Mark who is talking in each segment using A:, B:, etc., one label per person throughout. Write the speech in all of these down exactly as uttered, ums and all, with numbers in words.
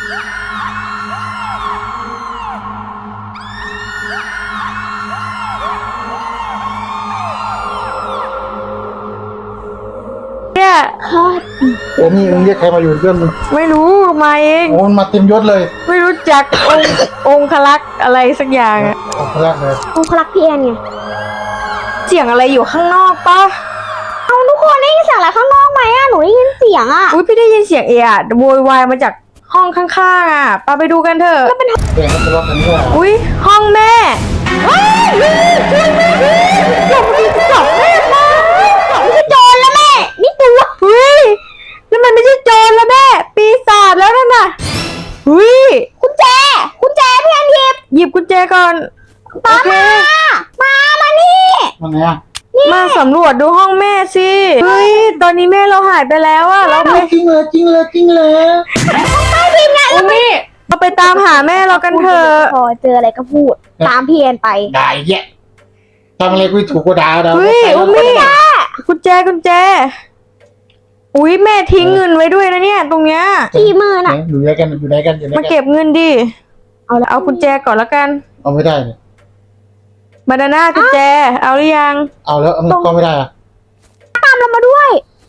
A: เนี่ย
B: เดี๋ยวนี่มึงเรียกใครมาอยู่เรื่องมึง
A: ไม่รู้มาเอง
B: โอ้มาเต็มยศเลย
A: ไม่รู้จักองค์องคลักษ์อะไรสักอย่างอะ
B: องค์แรกเลย
C: องคลักษ์พี่แอนไง
A: เสียงอะไรอยู่ข้างนอกปะ
C: เอาทุกคนได้ยินเสียงอะไรข้างนอกไหมอ่ะหนูได้ยินเสียงอ่ะ
A: อุ้ยพี่ได้ยินเสียงเอะอะโวยวายมาจากห้องข้างๆอ่ะปาไปดูกันเถอะ
B: แกงมันทะเลาะกันด้วย
A: อุ้ยห้องแม่ว้ายช่วยแม่ดิหลบดิจับแม่มา
C: ไม่ใช่โจรแล้วแม่นี่ตัว
A: เฮ้ยแล้วมันไม่ใช่โจรแล้วแม่ปีศาจแล้วนั่นน่ะเฮ้ย
C: กุญแจกุญแจพี่แอนหยิบ
A: หยิบกุญแจก่อนโอ
C: มา
A: เค
C: มา มานี่
B: มันไงอ่ะ
A: มาสำรวจดูห้องแม่สิเฮ้ยตอนนี้แม่เราหายไปแล้วอะเราไป
B: จริงเลยจริงเลยจริงเลย
A: อุ้ยเราไปตามหาแม่เรากันเถอะ
C: พอเจออะไรก็พูด ตามพี่แอนไป
B: ด่าแย่ทำอะไรกูถูกกูด่าเรา
A: เฮ้ยอุ้มมี่กุญแจกุญแจอุ้ยแม่ทิ้งเงินไว้ด้วยนะเนี่ยตรงเนี้ย
C: ที่มือน่ะ
B: อยู่ไหนกันอยู่ไหนกันอยู่ไหน
A: มา
B: กัน
A: เก็บเงินดิ
C: เอาละ
A: เอากุญแจก่อนแล้วกัน
B: เอาไม่ได้เลย
A: บานาน่ากุญแจ เอาหรือยัง
B: เอาแล้วมันก็ไม่ได้อ่ะ
C: ตามเรามาด้วย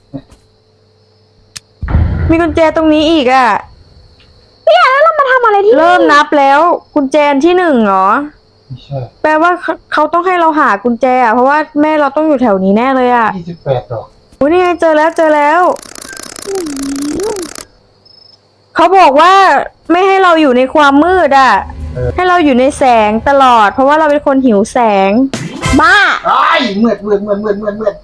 A: มีกุญแจตรงนี้อีกอ่ะ
C: พี่แอนแล้วเรามาทำอะไรที่นี่
A: เริ่มนับแล้ว กุญแจอันที่หนึ่งเหรอ
B: ไม่ใช่
A: แปลว่าเขาเขาต้องให้เราหากุญแจอะเพราะว่าแม่เราต้องอยู่แถวนี้แน่เลยอ่ะ
B: ยี่สิบแปดดอก
A: อุ้ยนี่ไงเจอแล้วเจอแล้ว เขาบอกว่าไม่ให้เราอยู่ในความมืดอ่ะ ให้เราอยู่ในแสงตลอด เพราะว่าเราเป็นคนหิวแสง
C: บ้า
B: ไอ้เมื่อเมื่อเมื่อเมื่อเมื่อเมื่อ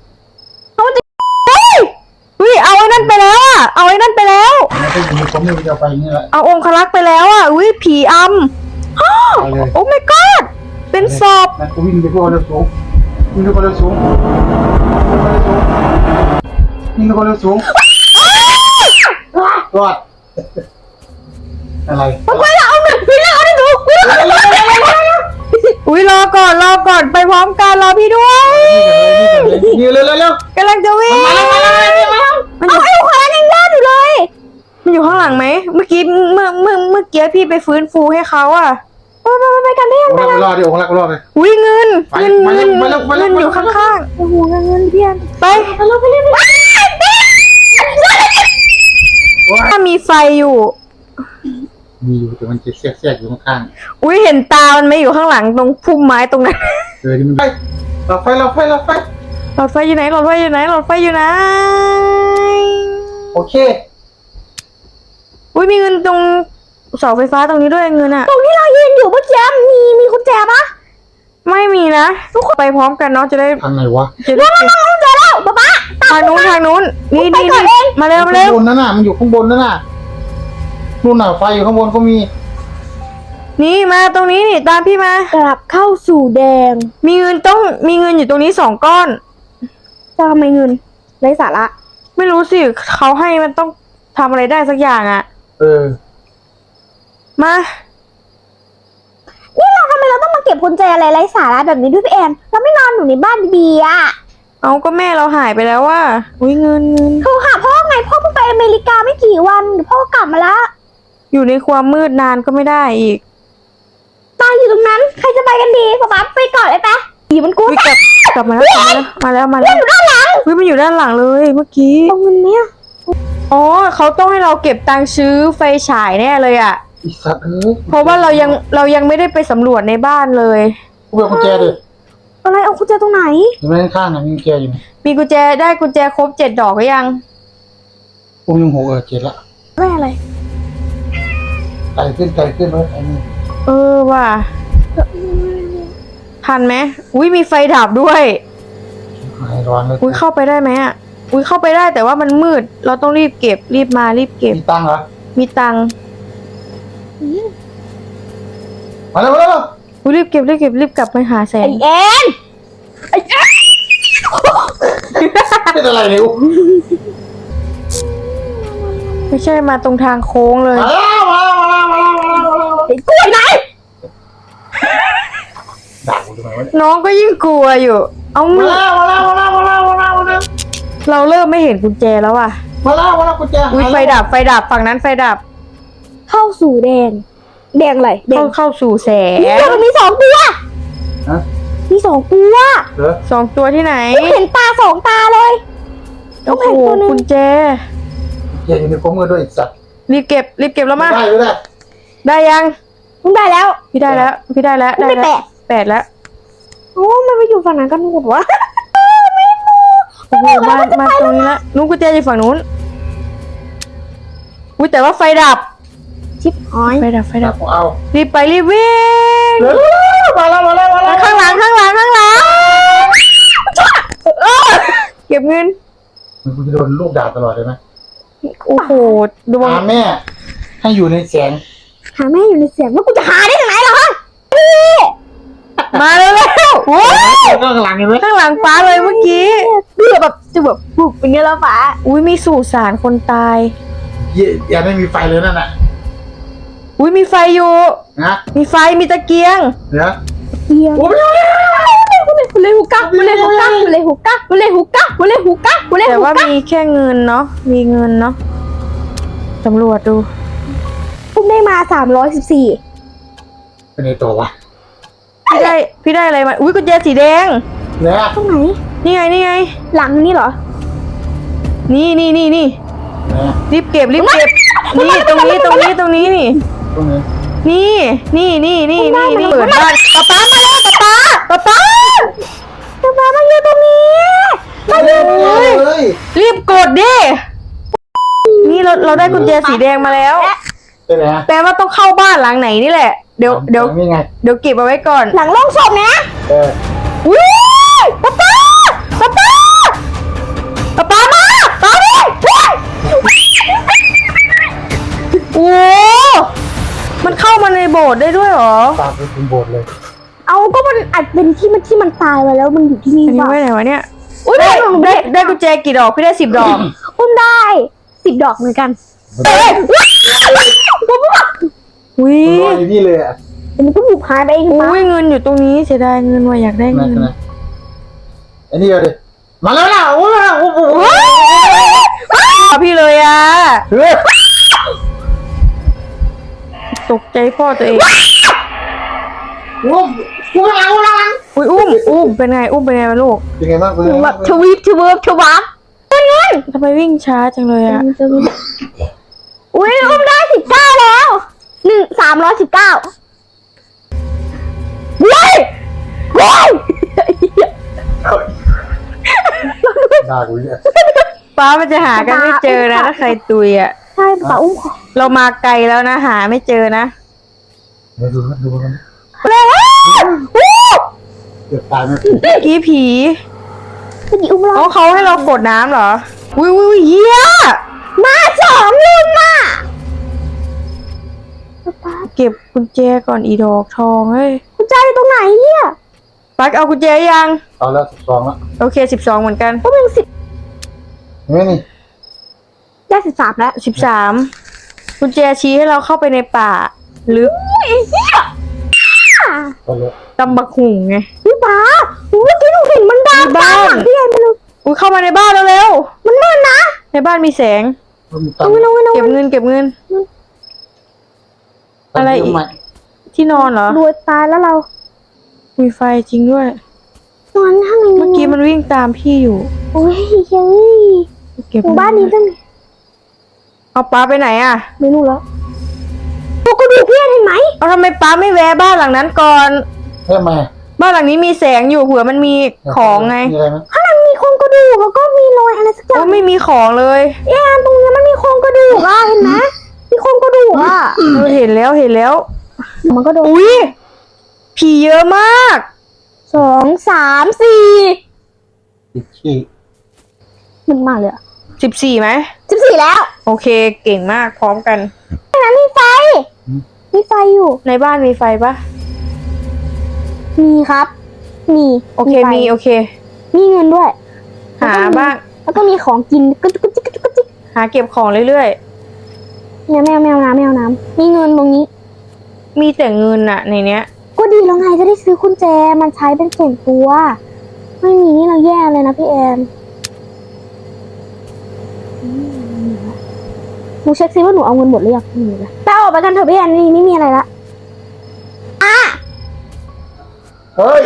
A: อุ้ยเอาไอ้นั่นไปแล้วอ่ะ เอาไอ้นั่นไปแล้ว
B: มันก็อยู่ผมไม่จะไปนี่แหละ
A: เอาองคลักษ์ไปแล้วอ่ะ อุ้ยผีอำอ้าว
B: ไปเลย
A: โอ้ my god เป็นศพ
B: นั่นกูวิ่งไปพวกเร็วสูงวิ่งไปพวกเร็วสูงวิ่งไปพวกเร็วสูงรอดอะไร
A: ไปแล้วเอาหนึ่งพี่แล้วเอาหนึ่งอุ้ยรอก่อนรอก่อนไปพร้อมกันรอพี่ด้วย
B: นี่เร็วเร็วเร็ว
A: กำลังจะวิ่ง
B: มาแล้วมาแล้วมาแล้ว
A: มันอ
C: เอา
A: ยู่
C: ไอ้คนนั้นยังรอดอยู่เลย
A: มันอยู่ข้างหลังไหมเมื่อกี้เมื่อเมื่อเมื่อกี้พี่ไปฟื้นฟูให้เขาอ่ะ
C: ไปไปไปกันได้ยัง
B: โอ้ยรอดดิโอ้ยรอดเลย
A: อุ้ยเงิน
B: ไป
A: เงิน
B: มาแล้
A: เงิ
B: วน มาแล้วมาแล้ว
A: เงินอยู่ข้าง
C: โอ้โหเงินเงินพี่แอน
A: ๆไป
C: ไปเราไปเล่นไป
A: ถ้ามีไฟอยู่
B: มีอยู่แต่มันจะแทรกแทรกอยู่ข้าง
A: อุ้ยเห็นตามันไหมอยู่ข้างหลังตรงพุ่มไม้ตรงนั้น
B: ๆเออที่มันไปเราไฟเราไฟเราไฟ
A: หลอดไฟอยู่ไหนหลอดไฟอยู่ไหนหลอดไฟอยู่ไหน
B: โอเค
A: อุ้ยมีเงินตรงเสาไฟฟ้าตรงนี้ด้วยเงินอะ
C: ตรงที่เรายืนอยู่เมื่อกี้มีมีกุญแจปะ
A: ไม่มีนะทุกคนไปพร้อมกันเนาะจะได้
B: ทางไหนวะ
A: จะได้
C: กุญแจแล้วป๊าป๊า
A: ทางนู้นทางนู้นนี่
C: ไป
A: นี่
C: ก่อนเอง
A: มาเร็วมาเร็ว
B: ข้างบนนั่นน่ะมันอยู่ข้างบนนั่นน่ะนู่นน่ะไฟอยู่ข้างบนก็มี
A: นี่มาตรงนี้นี่ตามพี่มาก
C: ลับเข้าสู่แดง
A: มีเงินต้องมีเงินอยู่ตรงนี้สองก้อน
C: จะทำไมเงินไร้สาระ
A: ไม่รู้สิเขาให้มันต้องทำอะไรได้สักอย่างอะ
B: เออ
A: มา
C: นี่เราทำไมเราต้องมาเก็บกุญแจอะไรไร้สาระแบบนี้ด้วยพี่แอนเราไม่นอนอยู่ในบ้านดีๆอ่ะ
A: เอาก็แม่เราหายไปแล้วว่าอุ้ยเงินเงิน
C: โทรหาพ่อไงพ่อเพิ่งไปอเมริกาไม่กี่วันเดี๋ยวพ่อกลับมาละ
A: อยู่ในความมืดนานก็ไม่ได้อีก
C: ตายอยู่ตรงนั้นใครจะไปกันดีป๊าป๊าไปก่อนเลยปะผีมันกู
A: อุ้ยกลับกลับมาแล้วกลับมาแล้วมาแล้วมาแล้ว
C: อยู่ด้านหลัง
A: อุ้ยมันอยู่ด้านหลังเลยเมื่อกี้
C: ตรงเงินเนี้ย
A: อ๋อเขาต้องให้เราเก็บตังค์ซื้อไฟฉายแน่เลยอะ
B: อีสัตว์เอ้ย
A: เพราะว่าเรายังเรายังไม่ได้ไปสำรวจในบ้านเลย
B: กูไปเอากุญแจดิ
C: อะไรเอากุญแจตรงไหน
B: เห็นไหมข้างๆน่ะมีกุญแจอยู่
A: มีกุญแจได้กุญแจครบเจ็ดดอกหรือยัง
B: กูยังหกเออเจ็ดละ
C: ไม่อะไร
B: ไต่ขึ้นไต่ขึ้นไว้ไอ้นี่
A: เออว่ะทันไหมอุ้ยมีไฟดับด้วย
B: หายร้อนเลย
A: อุ้ยเข้าไปได้ไหมอ่ะอุ้ยเข้าไปได้แต่ว่ามันมืด เราต้องรีบเก็บรีบมารีบเก็บ
B: มีตังค์เหรอ
A: มีตังค์
B: มาแล้วมาแล้ว
A: อุ้ยรีบเก็บรีบเก็บรีบกลับไปหาแส
C: ไอง แอนไอแอน
B: เป็นอะไรเนี่ย
A: ไม่ใช่มาตรงทางโค้งเลย
B: มาแล้วมาแล้วมาแล้วมาแล้วมาแล้วมาแล้ว
C: ไอ้กล้วยไหน
B: ด่ากูทำไมวะ
A: น้องก็ยิ่งกลัวอยู่ เอา
B: มา
A: มือ
B: แล้วมาแล้วมาแล้วมาแล้วมาแล้วมาแล้ว
A: เราเริ่มไม่เห็นกุญแจแล้วอ่ะ
B: มาแล้วมาแล้วกุญแจ
A: อุ้ยไฟดับไฟดับฝั่งนั้นไฟดับ
C: โทรเข้าสู่แดงแดงอะไรแด
A: เข้าง เข้าสู่แสง
C: นี่มันมีสองตัว
B: ฮะ
C: มีสองตัว
B: เหรอ
A: สองตัวที่ไหน
C: เห็นตาสองตาเลย
A: โอ้โห
C: เห็นตัวหนึง
A: กุญแจ
B: เกียร์อยู่ในข้อมือด้วยไอ้สัตว์
A: รีบเก็บรีบเก็บแล้วมา
B: ได้ไม่ได้
A: ได้ยัง
C: มึงได้แล้ว
A: พี่ได้แล้ว พี่ได้แล้ว
C: มึงได้
A: แล้ว
C: แปด
A: แปดแล้ว
C: โอ้มันไปอยู่ฝั่งนั้นกันหมดวะ
A: โอ้โหมามาตรงนี้ละนู้นกุญแจอยู่ฝั่งนู้นอุ้ยแต่ว่าไฟดับ
C: ชิปหอย
A: ไฟดับไฟดับ
B: เอา
A: รีบไปรีบวิ่ง
B: เร็วมาแล้วมาแล้วมาแล้ว
A: ข้างหลังข้างหลังข้างหลังเออเก็บเงิน
B: มันกูจะโดนลูกด่าตลอดเลยไหม
A: โอ้โหดวง
B: หาแม่ ให้อยู่ในแสง
C: หาแม่อยู่ในเสียงว่ากูจะหาได้ยังไงล่ะฮะ
A: มาแล้วแล้วโอ้ย
B: ข้างหลังเห็นไหม
A: ข้างหลังฟ้าเลยเมื่อกี้
C: เบื่อแบบจะแบบบุกเป็นเงี้ยแล้วฟ้า
A: อุ้ยมีสุสานคนตาย
B: เหี้ยยังไม่มีไฟเลยนั่นน่ะ
A: อุ้ยมีไฟอยู่
B: นะ
A: มีไฟมีตะเกียง
B: เดี๋ยว
C: เดียว
B: โอ้ไม่เอาแล้ว
C: กูเลยหูกักกูเลยหูกักกูเลยหูกักกูเลยหูกักกูเลยหูกักกูเลย
A: แต่
C: หู
A: ว่า
C: กัก
A: มีแค่เงินเนาะมีเงินเนาะสำรวจดู
C: พุ่มได้มาสามร้อยสิบสี่
B: เป็นไงตัววะ
A: พี่ได้พี่ได้อะไรมาอุ้ยกุญแจสีแดง
B: เนี่ย
C: ตรงไหน
A: นี่ไงนี่ไง
C: หลังนี่เหรอ
A: นี่นี่นี่นี่
B: เนี่ย
A: รีบเก็บรีบเก็บนี่ตรงนี้ตรงนี้ตรงนี้นี่
B: ตรงนี้
A: นี่นี่นี่นี่นี่นี่เปิดบ้านป๊าป๊ามาแล้วป๊าป๊าป๊าป๊า
C: จะมามาอยู่ตรงนี้มา
B: เฮ้ยเฮ้ย
A: รีบกดดินี่เราเราได้กุญแจสีแดงมาแล้ว
B: เป็นไงฮะ
A: แปลว่าต้องเข้าบ้านหลังไหนนี่แหละเดี๋ยวเดี๋ยว
B: นี่ไง
A: เดี๋ยวเก็บเอาไว้ก่อน
C: หลังโล่งศพนะ
B: เออ
A: อุ้ยป๊าป๊าป๊าป๊าป๊าป๊ามาป๊าดิโอ้มันเข้ามาในโบสถ์ได้ด้วยเหรอ
B: ตามไปถึงโบสถ์เลย
C: เอาก็มันอาจเป็นที่มันที่มันตายไปแล้วมันอยู่ที่นี่
A: อันนี้
C: ว่ะ
A: ไว้ไหนวะเนี่ย
C: อุ้ย
A: ได้
C: ได้หนู
A: ได้
C: ได้
A: ได้กุญแจกี่ดอกพี่ได้สิบดอก
C: อุ้มได้สิบดอกเหมือนกัน
A: เอ้ยอุ้ย
B: มันลอยอยู่นี่เลยอ่ะ
C: เดี๋ยวมันก็บุกหายไปเอง
A: อุ้
C: ปะ
A: ยเงินอยู่ตรงนี้เสียดายเงินว่ะอยากได้
B: นะ
A: เงิน
B: นะไอ้นี่เอาดิมาแล้วล่ะโอ้ยโอ้โห
A: เอาพี่เลยอ่ะ
B: เฮ้ย
A: ตกใจพ่อตัวเอง
B: อุ้มกูกำลังกูกำลัง
A: อุ้ยอุ้มอุ้มเป็นไงอุ้มเป็นไงวะลูก
B: เป็นไงบ้างเป็น
C: ห
B: ไง
C: นูแบ
B: บ้าง
C: บทวีปทวีปทวับเป็นไง
A: ทำไมวิ่งช้าจังเลยอ่ะ
C: อุ้ยอุ้มได้สิบเก้าแล้วหนึ่งสามร้อยสิบเก้าเว้ยเว้ย
B: ด่ากูเนี่ย
A: ป้ามันจะหากันไม่เจอนะถ้าใครตุยอ่ะ
C: ใช่ป่าอุ้มขอ
A: เรามาไกลแล้วนะหาไม่เจอนะ
B: เดี๋ยวดูนะดูกัน
C: เลย
B: เกือบตายไหม
A: เมื่อกี้ผี
C: เมื่อกี้อุ้มเรา
A: อ๋อเขาให้เรากดน้ำเหรออุ้ยอุ้ยเฮีย
C: มาสองรุ่นน่ะ
A: เก็บกุญแจก่อนอีดอกทองเฮ้ย
C: คุณใจอยู่ตรงไหนเนี่ย
A: ปักเอากุญแจยัง
B: เอาแล้วสิบสองแล้ว
A: โอเคสิบสองเหมือนกัน
C: ก็เป็นสิบ
B: เห็นไหมนี่
C: ได้สิบสามแล้ว
A: สิบสามกุญแจชี้ให้เราเข้าไปในป่าลึก
C: อุ้ยเฮีย
B: เอาเลย
A: ตำบักหุ่งไง
C: พี่ป้าอุ้ยเมื่อกี้หนูเห็นมันดา
A: ในบ้าน
C: หลังพี่แอนไปเลย
A: อุ้ยเข้ามาในบ้านแล้วเร็ว
C: มันมืดนะ
A: ในบ้านมีแสง
B: มันมีตัง
C: เอา
B: ค์
C: ไว้เอาไว้เอา
A: เก็บ
C: ไว้
A: เงินเก็บเงิน อะไรอีก
B: เาใหม่
A: ที่นอนเหรอ
C: รวยตายแล้วเรา
A: มีไฟจริงด้วย
C: นอนข้างใน
A: เมื่อกี้มันวิ่งตามพี่อยู่
C: โอ้ยเฮ้ย
A: เก็บ
C: หมู่บ้านนี้ต้อง
A: เอาป้าไปไหนอ่ะ
C: ไม่รู้แล้วโอ้ก็ดูพี่แอนเห็นไหม
A: เอาทำไมป้าไม่แวะบ้านหลังนั้นก่อน
B: เฮ้ยมา
A: บ้านหลังนี้มีแสงอยู่เผื่อมันมีของไง
B: มีอะไรไหม
C: ข้างในมีโครงกระดูกแล้วก็มีรอยอะไรสักอย่า
A: โอ้
C: ง
A: ไม่มีของเลย
C: แอนตรงเนี้ยมันมีโครงกระดูกอ่ะเห็นไหมมีโครงกระดูกอ่ะ
A: เออเห็นแล้วเห็นแล้ว
C: มันก็โดน
A: อุ้ยผีเยอะมาก
C: สองสามสี่
B: ติดขี้
C: มันมาเลยอ่ะ
A: สิบสี่ไหม
C: สิบสี่แล้ว
A: โอเคเก่งมากพร้อมกัน
C: ตรงนั้นมีไฟมีไฟอยู่
A: ในบ้านมีไฟปะ
C: มีครับ มี
A: โอเค
C: ไฟ
A: มีโอเค
C: มีเงินด้วย
A: หาบ้าง
C: แล้วก็มีของกินกระจุกกระจิกกระจุกกระจิก
A: หาเก็บของเรื่อย
C: เนี่ยแมวแมวน้ำแมวน้ำมีเงินตรงนี้
A: ๆ มีแต่เงินอะในเนี้ย
C: ก็ดีแล้วไงจะได้ซื้อกุญแจมันใช้เป็นส่วนตัว ไม่มีนี่เราแย่เลยนะพี่แอนหนูเช็คซิว่าหนูเอาเงินหมดหรือยังไม่มีเลยแต่ออกไปกันเถอะพี่แอนนี่ไม่มีอะไรละอ่ะ
B: เฮ้ย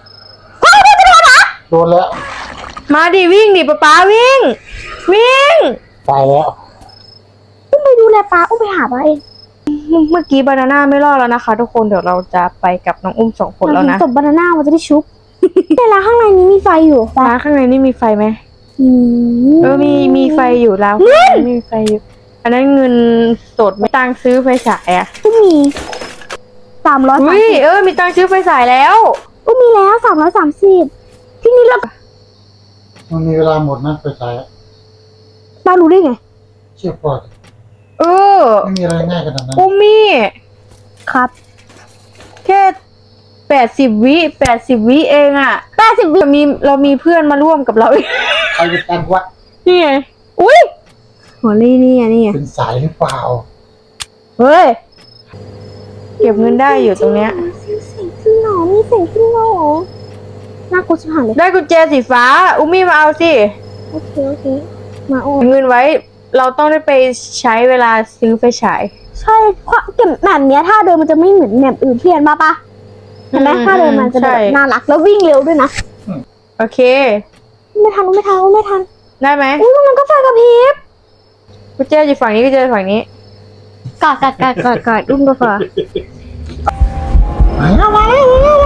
B: โดนแล้ว
A: มาดิวิ่งดิป๊าป๊าวิ่ง วิ่ง
B: ตายแล้ว
C: อุ้มไปดูแลปลาอุ้มไปหาปลาเอง
A: เมื่อกี้บานาน่าไม่รอดแล้วนะคะ ทุกคนเดี๋ยวเราจะไปกับน้องอุ้มสองคนแล้วนะ
C: ศพบานาน่ามันจะได้ชุบ แต่ละข้างในนี้มีไฟอยู่ปะ
A: ร้านข้างในนี่มีไฟไหม
C: อืม
A: เออมีมีไฟอยู่แล้วมีไฟอยู่ อันนั้นเงินสดไม่ตังค์ซื้อไฟฉายอ่ะ
C: อุ้มมีสามร้อยสาม
A: อุ้ย
C: สิบ
A: เออมีตังค์ซื้อไฟฉายแล้ว
C: อุ้มมีแล้วสามร้อยสามสิบที่นี่เรา
B: มันมีเวลาหมดนะไปใช้
C: ปลารู้ได้ไง
B: เชื่อพอด
A: เออ
B: ไม่มีอะไรง่ายขนาดนั้น
A: อุ้มมี่
C: ครับ
A: แค่แปดสิบวิแปดสิบวิเองอ่ะ
C: แปดสิบวิ
A: เรามีเรามีเพื่อนมาร่วมกับเราอีก
B: ใครเป็นการวัด
A: นี่ไงอุ้ย
C: หัวลี่นี่ไงนี่ไง
B: เป็นสายหรือเปล่า
A: เฮ้ยเก็บเงินได้อยู่ตรงเนี้ย
C: เสียงเสียงจริงเหรอมีเสียงจริงเหรอน่ากลัวชิบหายเลย
A: ได้กุญแจสีฟ้า อุ้มมี่มาเอาสิ
C: โอเคโอเคมาโอ้
A: เงินไว้ เราต้องได้ไปใช้เวลาซื้อไฟฉาย
C: ใช่ความเก็บแบบเนี้ยถ้าเดินมันจะไม่เหมือนแบบอื่นเพี้ยนมาปะเห็นไหม
A: อืม
C: ถ้าเดินมันจะแบบ
A: ใช่
C: น่ารักแล้ววิ่งเร็วด้วยนะ
A: โอเค
C: ไม่ทันไม่ทันไม่ทัน
A: ได้ไหม
C: อุ้ยมันก็ไฟกระพริบ
A: กุญแจอยู่ฝั่งนี้กุญแจอยู่ฝั่งนี้
C: กอดกอดกอดกอดกอดอุ้มก็พอ
B: มาแล้วมาแล้ว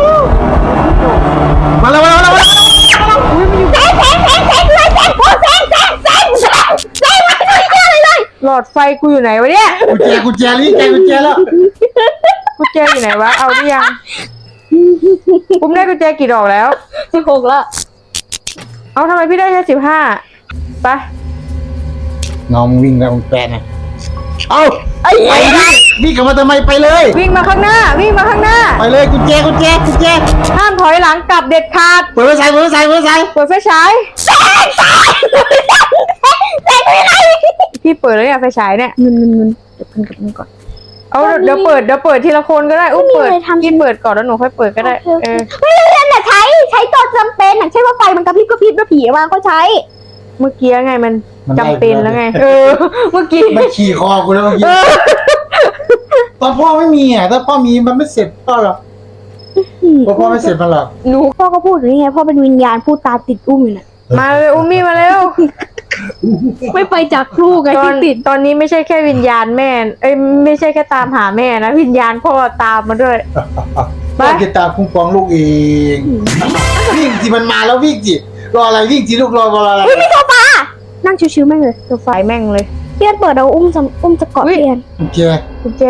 B: มาแล้วมาแล้วมาแล้วมาแล้ว
C: แสงแสงแสงแสงเลยแสงโอ้แสงแสงแสงแสงแสงมาเลยเลยเลย
A: หลอดไฟกูอยู่ไหนวะเนี่ย
B: กุญแจกุญแจนี่แจกุญแจแล้ว
A: กุญแจอยู่ไหนวะ เอาหรือยัง อุ้มได้กุญแจกี่ดอกแล้ว
C: สิบหกแล้ว
A: เอาทำไมพี่ได้แค่สิบห้าไป
B: น้องวิ่งแล้วมึงแปลนะเอา
C: ไอ้
B: ไปดิวิ่งกลับมาทำไมไปเลย
A: วิ่งมาข้างหน้า วิ่งมาข้างหน้า
B: ไปเลยกุญแจกุญแจกุญแจ
A: ห้ามถอยหลังกลับเด็ดขาด
B: เปิดไฟฉายเปิดไฟฉายเปิดไฟฉาย
A: เปิดไฟฉาย
C: แสงแสงแสงไม่ได้
A: พี่เปิดแล้วเนี่ยไฟฉายเนี่ย
C: เงินเงินเงินเดี๋ยวกันกับมันก่อน
A: เอาเดี๋ยวเปิดเดี๋ยวเปิดทีละคนก็ได้ อุ้ม
C: ไม่มี
A: เปิด
C: อะไรทำ
A: กินเปิดก่อนแล้วหนูค่อยเปิดก็ได้
C: โอเค
A: เออ
C: ไม่เรียนแต่ใช้ใช้ตอนจำเป็นอย่างเช่นว่าไฟมันกระพริบกระพริบแล้วผีมาก็ใช้
A: เมื่อกี้ไงมันจำเป็นแล้วไง เออ เมื่อกี้
B: มันขี่คอกูแล้วเมื่อกี้ตอนพ่อไม่มีอ่ะถ้าพ่อมีมันไม่เสร็จพ่อหรอกเพราะพ่อไม่เสร็จมันหรอก
A: หนู
C: พ่อก็พูดอยู่นี่ไงพ่อเป็นวิญญาณพูดตามติดอุ้มอยู่น่ะ
A: มาเลยอุ้มมี่มาเร็ว
C: ไม่ไปจากลูกไง
A: ตอ
C: ที่
A: น
C: ติด
A: ตอนนี้ไม่ใช่แค่วิญญาณแม่ เอ้ยไม่ใช่แค่ตามหาแม่นะวิญญาณพ่อตามมาด้วย ไป
B: พ่อจะตามคุ้มครองลูกเองวิ่งสิมันมาแล้ววิ่งสิรออะไรวิ่งสิลูกรอรออะไร
C: อุ้ยมีโซฟานั่งชิวๆแม่งเลย
A: ตัวไฟแม่งเลย
C: เพียนเปิดเอาอุ้มจะอุ้มจะเกาะ
A: อุ๊ย
C: เพียน
B: กุญแจ
A: กุญแจ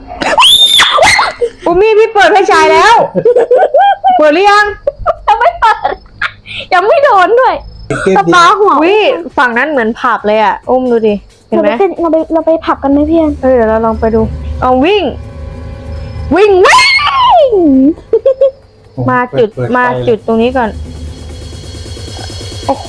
A: อุ้มมี่พี่เปิดไฟฉายแล้ว เปิดหรือยัง
C: ยังไม่เปิดยังไม่โดนด้วย
B: เก็บ
C: ส
B: ดิ
C: ปาหัว
A: วิฝั่งนั้นเหมือนผับเลยอ่ะ อุ้มดูดิ เห็น
C: เรา
A: ไห
C: ไป
A: ม
C: เป็นเราไปเราไปผับกันไหมเพียน
A: เออเดี๋ยวเราลองไปดู เอาวิ่ง วิ่งวิ่ง มาจุด
B: เปิเปิ
A: มา
B: ไฟเลย
A: จุดตรงนี้ก่อน โอ้โห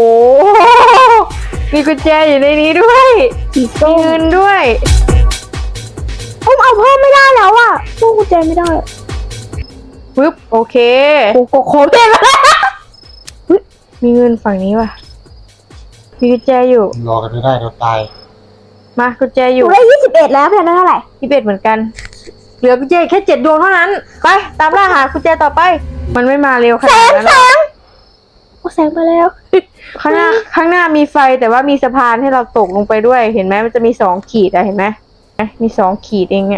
A: มีกุญแจอยู่ในนี้ด้วย
C: สี
A: มี
C: ส้ม
A: เงินด้วย
C: อุ้มเอาเพิ่มไม่ได้แล้วอ่ะตู้กุญแจไม่ได้
A: ปึ๊บ โอเค
C: โอ้โหโคตรเท่เลย
A: มีเงินฝั่งนี้ว่ะ มีกุญแจอยู่
B: รอกันไม่ได้เราตาย
A: มากุญแจอ
C: อยู่ ยู่ได้ยี่สิบเอ็ดแล้วเพียนได้เท่าไหร่
A: ที่เป็ดเหมือนกัน เหลือกุญแจแค่เจ็ดดวงเท่านั้น ไป ตามล่าหากุญแจต่อไป มันไม่มาเร็วข
C: แส
A: นาด
C: ง
A: นั้น
C: แส
A: หรอก
C: งโอ้แสงมาแล้ว
A: ข้างหน้า ข้างหน้ามีไฟแต่ว่ามีสะพานให้เราตกลงไปด้วย เห็นไหมมันจะมีสองขีดอะเห็นไหมเอ๊ะมีสองขีดเองเนี่ย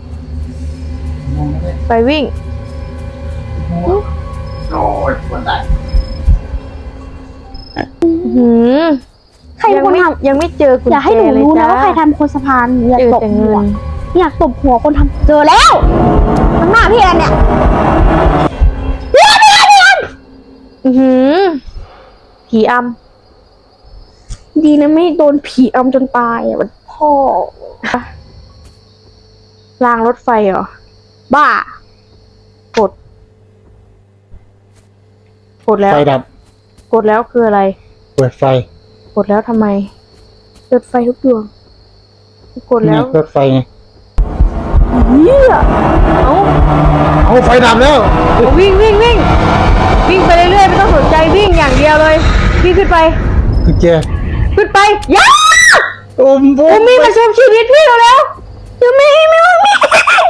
A: ไปวิ่ง
B: โอ้ยปวดได้
A: หืม
C: ใครเป็
A: ยั
C: นคน
A: ไม่
C: ท
A: ยังไม่เจอกุญ
C: ำ
A: แจ
C: อย่าให้หนู
A: เลย
C: รู้นะ
A: จ้า
C: ว่าใครทำคนสะพานอยาก
A: เจอ
C: ตบ
A: แต่
C: หั
A: เงิ
C: วน อยากตบหัวคนทำเจอแล้วข้างหน้าพี่แอนเนี่ยพี่แอนพี่แอนพี่แอน
A: อือหือผีอ
C: ดีนะไม่โดนผีอำจนตายอ่ะมันพ่อ
A: ำรางรถไฟเหรอ
C: บ้าก
A: ด กดแล้ว
B: ไฟดับ
A: กดแล้วคืออะไร
B: เปิดไฟ
A: กดแล้วทำไม
C: เปิดไฟทุกดวง
A: กดแล้ว
B: นี่เปิดไฟไง
C: เหี้ย
A: เอ้า
B: เอาไฟดับแล้ว
A: วิ่งวิ่งวิ่งวิ่งไปเรื่อยๆไม่ต้องสนใจวิ่งอย่างเดียวเลยวิ่งขึ้นไป
B: กุญแจ
A: ขึ้นไปย่า
B: โอ้มโบ
A: โอ้มีมาชมชีวิตพี่เราแล้ว
C: ยังไม่เห็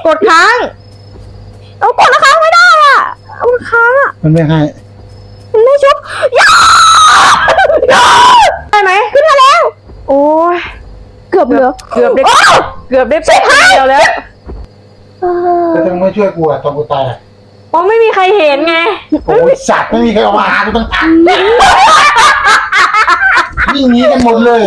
A: กดค้าง
C: เอากดแล้วค้างไม่ได้อ่ะเอามันค้างอ่ะ
B: มันไม่ให้
C: มันไม่ชุบยา
A: ได้ไหม
C: ขึ้นมาแล้ว
A: โอ้ย
C: เกือบเหลือ
A: เกือบได้
C: โ
A: เกือบได้แป๊บเดียวแล้ว
C: เออ
B: แต่ถ้ามึงไม่ช่วยกูอะตอนกูตายอะ
A: เพราะไม่มีใครเห็นไง
B: โอ้ยสัตว์ไม่มีใครเอามาหากูตั้งแต่วิ่งหนีกันหมดเลย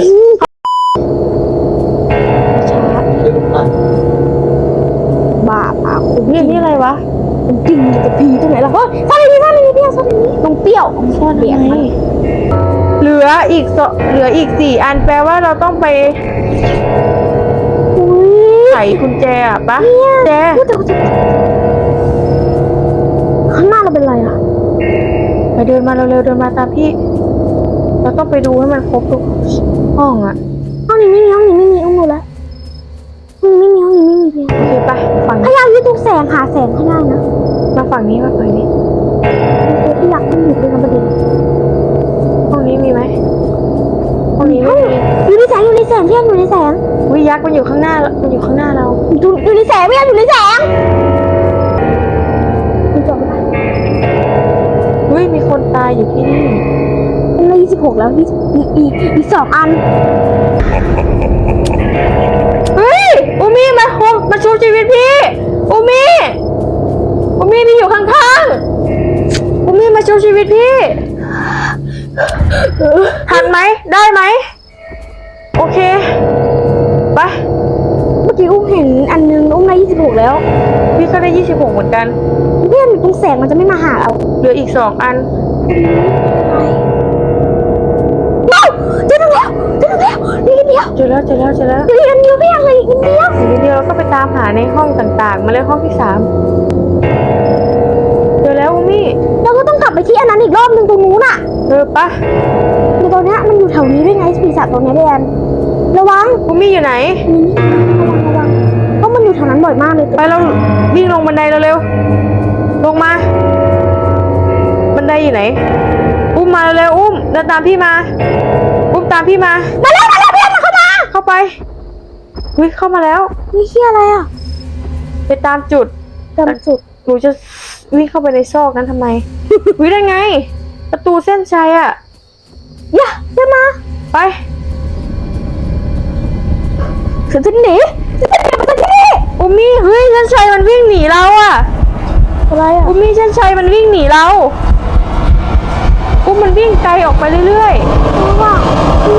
B: เดี๋ยวดูกัน
C: บ้าปากคุณ
A: นี่นี่อะไรวะ
C: จริงจะพีตรงไหนล่ะเฮ้ยซ่อนในนี้ซ่อนในนี้เปรี้ยวซ่อนในนี้ตรงเปรี้ยวซ่อนเบียดมัน
A: เหลืออีกสเหลืออีกสี่อันแปลว่าเราต้องไป
C: อุ้ย
A: ไขกุญแจอะปะแจ
C: พูดแต่จะข้างหน้าเราเป็นไรอ่ะ
A: ไปเดินมาเร็วๆเดินมาตามพี่ เราต้องไปดูให้มันครบทุกห้องอะ
C: ห้องนี้ไม่มีห้องนี้ไม่มีอุ้มดูแล้วห้องนี้ไม่มีห้องนี้ไม่มีเพียง
A: โอเคไปฝั่ง
C: พ
A: นี้
C: ยายามยึดทุกแสงหาแสงให้ได้นะ
A: มาฝั่งนี้มาฝั่งนี้
C: ตัวที่อยากขึ้นอยู่เป็นประเด็น
A: ห้องนี้มีไหมห้องนี้ไม่มี
C: อยู่ในแสงอยู่ในแสงเที่ยงอยู่ในแสง
A: วิยักษ์มันอยู่ข้างหน้ามันอยู่ข้างหน้าเรา
C: อยู่อยู่ในแสงไม่อยากอยู่ในแสงมันจบแล้ว
A: เฮ้ยมีคนตายอยู่ที่นี่
C: เป็นเลขยี่สิบหกแล้วยี่สิบอีกอีกอีกสองอัน
A: เฮ้ยอุมี่มาคมมาชูชีวิตพี่อุมี่อุมี่พี่อยู่ข้างๆอุมี่มาชูชีวิตพี่ทันไหมได้ไหมโอเคไป
C: เมื่อกี้อุ้มเห็นอันนึงอุ้มได้ยี่สิบหกแล้ว
A: พี่ก็ได้ยี่สิบหกเหมือนกัน
C: เพื่อนตรงแสงมันจะไม่มาหาเรา
A: เหลืออีกสองอัน
C: เอ้าเจอแล้วเจอแล้วนี่นิดเดียว
A: เจอแล้วเจอแล้วเจอแล้ว
C: เจออีกอันเดียวไม่อยากเลยอีกนิดเดียว
A: ทีเดียวเราก็ไปตามหาในห้องต่างๆ มาเลยห้องที่สามเจอแล้วอุมี่
C: เราก็ต้องกลับไปที่อันนั้นอีกรอบนึงตรงนู้นอ่ะ
A: เออปะ
C: ในตอนเนี้ยมันอยู่แถวนี้ด้วยไงปีศาจตรงเนี้ยแดนระวัง
A: อุมี่อยู่ไหน
C: นี่ระวังระวังเพราะมันอยู่แถวนั้นบ่อยมากเลย
A: ไปเราวิ่งลงบันไดเร็วๆลงมา บันไดอยู่ไหน อุ้มมาเร็วๆอุ้มเดินตามพี่มา อุ้มตามพี่มา
C: มาแล้วมาแล้วเพื่อนมาเข้ามา
A: เข้าไปเฮ้ยเข้ามาแล้ว
C: นี่เชี่ยอะไรอ่ะ
A: ไปตามจุด
C: จำจุด
A: หนูจะวิ่งเข้าไปในซอกนั้นทำไม วิได้ไง ประตูเส้นชัยอะ
C: อย่าอย่ามา
A: ไป
C: ฉันจะหนีฉันจะหนีมาจากที่นี่
A: อุมมี่เฮ้ยเส้นชัยมันวิ่งหนีเราอะ
C: อะไรอ่ะ
A: อุมมี่เส้นชัยมันวิ่งหนีเราอุ้มมันวิ่งไกลออกไปเรื่อย
C: ระวัง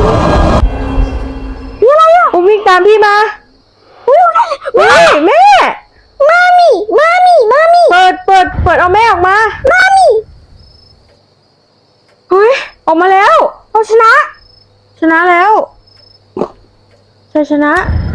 C: นี่อะไรอ่ะ
A: ๆอุ้มวิ่งตามพี่มา
C: อุ้ยอะไร
A: เฮ้ยแม่
C: มามี่มามี่มามี่
A: เปิดเปิดเปิดเอาแม่ออกมา
C: มามี่
A: เฮ้ยออกมาแล้ว
C: เราชนะ
A: ชนะแล้วชัยชนะ